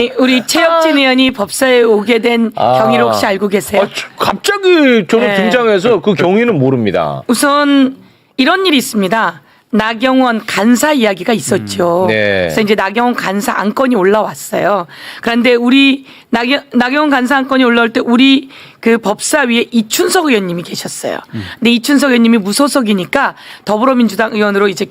우리 최혁진 의원이 법사에 오게 된 경위를 혹시 알고 계세요? 갑자기 저는 등장해서 그 경위는 모릅니다. 우선 이런 일이 있습니다. 나경원 간사 이야기가 있었죠. 네. 그래서 이제 나경원 간사 안건이 올라왔어요. 그런데 우리 나경원 간사 안건이 올라올 때 우리 그 법사위에 이춘석 의원님이 계셨어요. 근데 이춘석 의원님이 무소속이니까 더불어민주당 의원으로 이제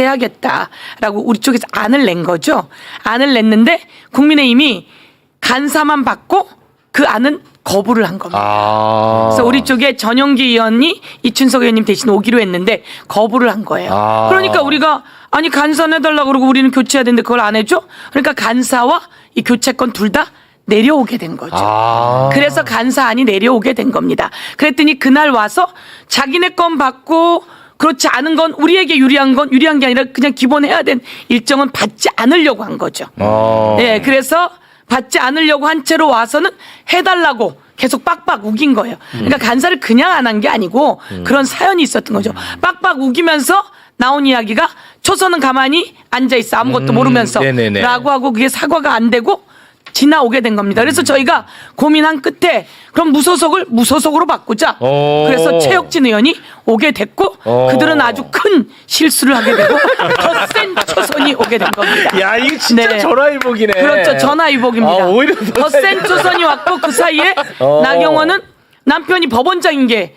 교체하겠다라고 우리 쪽에서 안을 낸 거죠. 안을 냈는데 국민의힘이 간사만 받고 그 안은 거부를 한 겁니다. 그래서 우리 쪽에 전용기 의원이 이춘석 의원님 대신 오기로 했는데 거부를 한 거예요. 그러니까 우리가 아니 간사 내달라고 그러고 우리는 교체해야 되는데 그걸 안 해줘? 그러니까 간사와 이 교체권 둘 다 내려오게 된 거죠. 그래서 간사안이 내려오게 된 겁니다. 그랬더니 그날 와서 자기네 건 받고 그렇지 않은 건 우리에게 유리한 게 아니라 그냥 기본해야 된 일정은 받지 않으려고 한 거죠. 네, 그래서 받지 않으려고 한 채로 와서는 해달라고 계속 빡빡 우긴 거예요. 그러니까 간사를 그냥 안 한 게 아니고 그런 사연이 있었던 거죠. 빡빡 우기면서 나온 이야기가 초선은 가만히 앉아있어 아무것도 모르면서 라고 하고 그게 사과가 안 되고 지나오게 된 겁니다. 그래서 저희가 고민한 끝에 그럼 무소속으로 바꾸자. 그래서 최혁진 의원이 오게 됐고 그들은 아주 큰 실수를 하게 되고 더 센 초선이 오게 된 겁니다. 야, 이거 진짜 네. 전화위복이네. 그렇죠. 전화위복입니다. 오히려 더 센 초선이 왔고 그 사이에 나경원은 남편이 법원장인 게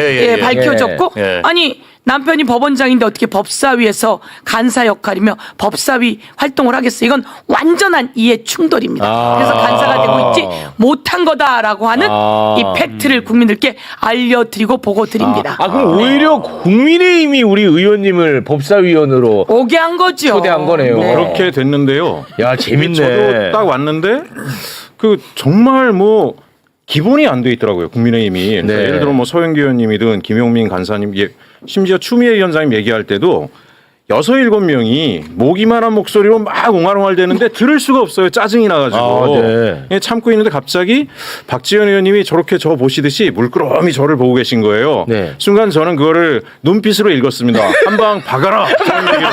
밝혀졌고 아니 남편이 법원장인데 어떻게 법사위에서 간사 역할이며 법사위 활동을 하겠어. 이건 완전한 이해 충돌입니다. 그래서 간사가 되고 있지 못한 거다라고 하는 이 팩트를 국민들께 알려드리고 보고 드립니다. 그럼 오히려 국민의힘이 우리 의원님을 법사위원으로 오게 한 거죠. 초대한 거네요. 네. 그렇게 됐는데요. 야, 재밌네. 저도 딱 왔는데 그 정말 뭐 기본이 안 돼 있더라고요. 국민의힘이. 그러니까 네. 예를 들어 뭐 서영기 의원님이든 김용민 간사님, 심지어 추미애 위원장님 얘기할 때도 6, 7명이 모기만한 목소리로 막 옹알옹알 대는데 들을 수가 없어요. 짜증이 나가지고. 네. 참고 있는데 갑자기 박지원 의원님이 저렇게 저 보시듯이 물끄러미 저를 보고 계신 거예요. 네. 순간 저는 그거를 눈빛으로 읽었습니다. 한 방 박아라. 그런 얘기로.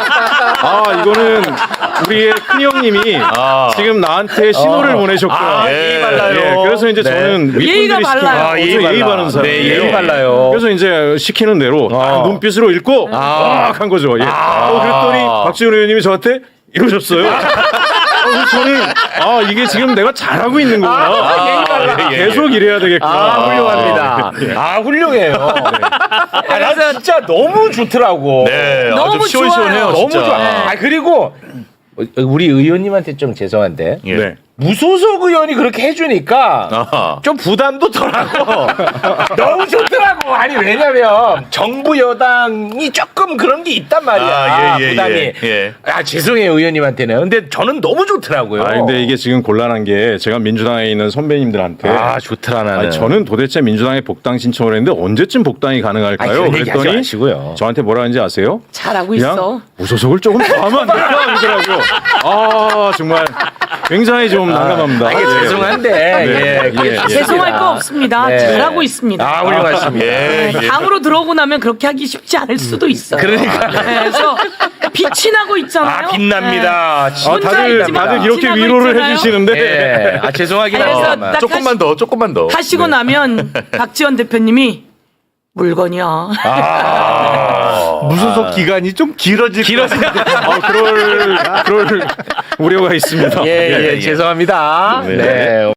이거는 우리의 큰형님이 지금 나한테 신호를 보내셨구나. 예의 발라요. 예, 그래서 이제 저는 예의가 윗분들이 발라요. 시키는 예의 바른 사람이에요. 네, 예의 발라요. 그래서 이제 시키는 대로 눈빛으로 읽고 막 한 거죠. 예. 그랬더니 박지원 의원님이 저한테 이러셨어요. 그래서 저는 이게 지금 내가 잘하고 있는 거구나. 계속 이래야 되겠구나. 훌륭합니다. 훌륭해요. 난 진짜 너무 좋더라고. 네, 너무 시원시원해요. 좋아요. 너무 진짜. 좋아. 그리고 우리 의원님한테 좀 죄송한데 네. 무소속 의원이 그렇게 해주니까 아하. 좀 부담도 덜하고 너무 좋더라고. 아니 왜냐면 정부 여당이 조금 그런 게 있단 말이야. 부담이. 죄송해요 의원님한테는. 근데 저는 너무 좋더라고요. 근데 이게 지금 곤란한 게 제가 민주당에 있는 선배님들한테 좋더라 나는. 저는 도대체 민주당에 복당 신청을 했는데 언제쯤 복당이 가능할까요? 그런 얘기 하지 그랬더니 마시고요. 저한테 뭐라 하는지 아세요? 잘하고 그냥 있어. 무소속을 조금 더 하면 안 될까 하더라고요. 정말 굉장히 좀 난감합니다. 죄송한데 죄송할 거 없습니다. 네. 잘하고 있습니다. 훌륭하십니다. 당으로 들어오고 나면 그렇게 하기 쉽지 않을 수도 있어요. 그러니까. 그래서 빛이 나고 있잖아요. 빛납니다. 다들 이렇게 지나고 위로를 있잖아요. 해주시는데 죄송하긴 그래서 하지만 딱 조금만 더. 하시고 나면 박지원 대표님이 물건이야. 무소속 기간이 좀 길어질 것 같아요. 그럴 우려가 있습니다. 죄송합니다. 네. 네.